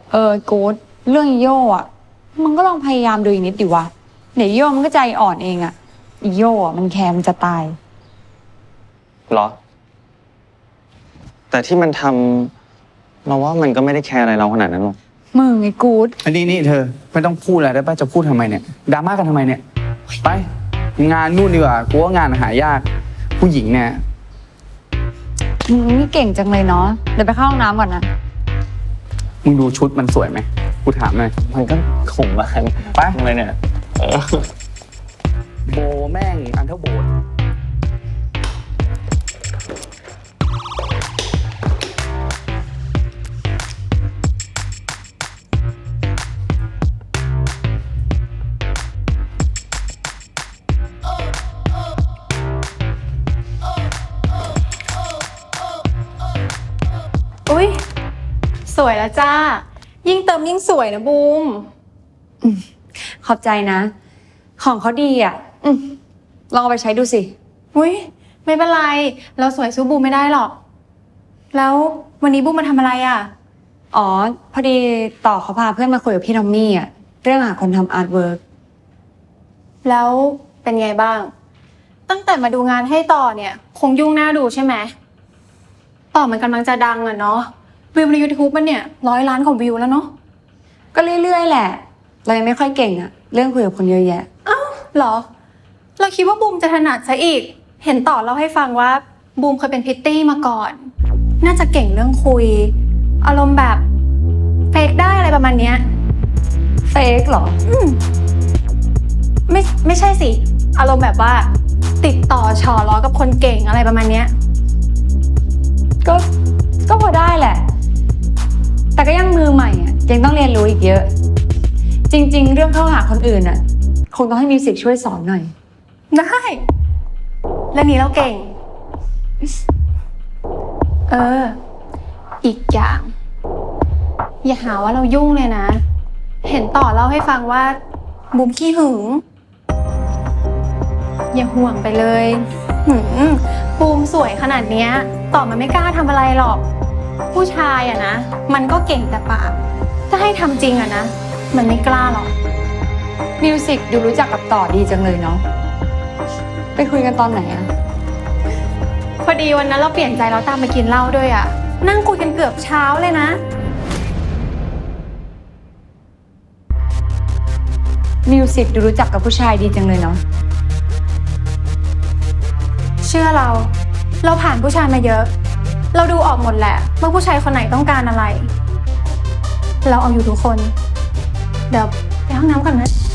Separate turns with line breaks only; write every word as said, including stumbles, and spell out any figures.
เออกู๊ดเรื่องอีโย่อะมันก็ลองพยายามดูอีกนิดดิวะเดี๋ยวอีโย่มันก็ใจอ่อนเองอะอีโย่อะมันแคร์มันจะตาย
เหรอแต่ที่มันทำเราว่ามันก็ไม่ได้แคร์อะไรเราขนาดนั้นหรอก
มึงไอ้กู๊ด
อันนี้นี่เธอไม่ต้องพูดอะไรได้ป่ะจะพูดทำไมเนี่ยดราม่ากันทำไมเนี่ยไปงานนู่นดีกว่ากูว่างานหายากผู้หญิงเนี่ย
มึงนี่เก่งจังเลยเนาะเดี๋ยวไปเข้าห้องน้ำก่อนนะ
มึงดูชุดมันสวยไหมกูถามหน่อย
มันก็ขมมาก
ไป
ทำไมเนี่ย
โบแม่งอันเท่าโบส
อุ๊ยสวยแล้วจ้ายิ่งเติมยิ่งสวยนะบูม
ขอบใจนะของเขาดีอ่ะอืมลองเอาไปใช้ดูสิ
อุ๊ยไม่เป็นไรเราสวยสู้บูมไม่ได้หรอกแล้ววันนี้บูมมาทำอะไรอ่ะ
อ๋อพอดีต่อเขาพาเพื่อนมาคุยกับพี่ทอมมี่อ่ะเรื่องหาคนทำอาร์ตเวิร์ก
แล้วเป็นไงบ้างตั้งแต่มาดูงานให้ต่อเนี่ยคงยุ่งหน้าดูใช่ไหมต่อมันกำลังจะดังอะเนาะวิวใน ยูทูบ มันเนี่ยร้อยล้านกว่าวิวแล้วเนาะ
ก็เรื่อยๆแหละเรายังไม่ค่อยเก่งอะเรื่องคุยกับคนเยอะแยะ
อ้าวเหรอเราคิดว่าบูมจะถนัดซะอีกเห็นต่อเล่าให้ฟังว่าบูมเคยเป็นพริตตี้มาก่อนน่าจะเก่งเรื่องคุยอารมณ์แบบเฟกได้อะไรประมาณเนี้ย
เฟกเหรอ
อืมไม่ไม่ใช่สิอารมณ์แบบว่าติดต่อฉอล้อกับคนเก่งอะไรประมาณเนี้ย
ก็ก็พอได้แหละแต่ก็ยังมือใหม่อ่ะยังต้องเรียนรู้อีกเยอะจริงๆเรื่องเข้าหาคนอื่นอ่ะคงต้องให้มิวสิกช่วยสอนหน่อย
ได้เรื่องนี้เราเก่งเอออีกอย่างอย่าหาว่าเรายุ่งเลยนะเห็นต่อเล่าให้ฟังว่าบูมขี้หึงอย่าห่วงไปเลยหืมบูมสวยขนาดเนี้ยต่อมันไม่กล้าทำอะไรหรอกผู้ชายอะนะมันก็เก่งแต่ปากถ้าให้ทำจริงอะนะมันไม่กล้าหรอก
มิวสิกดูรู้จักกับต่อดีจังเลยเนาะไปคุยกันตอนไหนอะ
พอดีวันนั้นเราเปลี่ยนใจเราตามไปกินเหล้าด้วยอะนั่งคุยกันเกือบเช้าเลยนะ
มิวสิกดูรู้จักกับผู้ชายดีจังเลยเนาะ
เชื่อเราเราผ่านผู้ชายมาเยอะเราดูออกหมดแหละว่าผู้ชายคนไหนต้องการอะไรเราเอาอยู่ทุกคนเดี๋ยวไปห้องน้ำก่อนนะ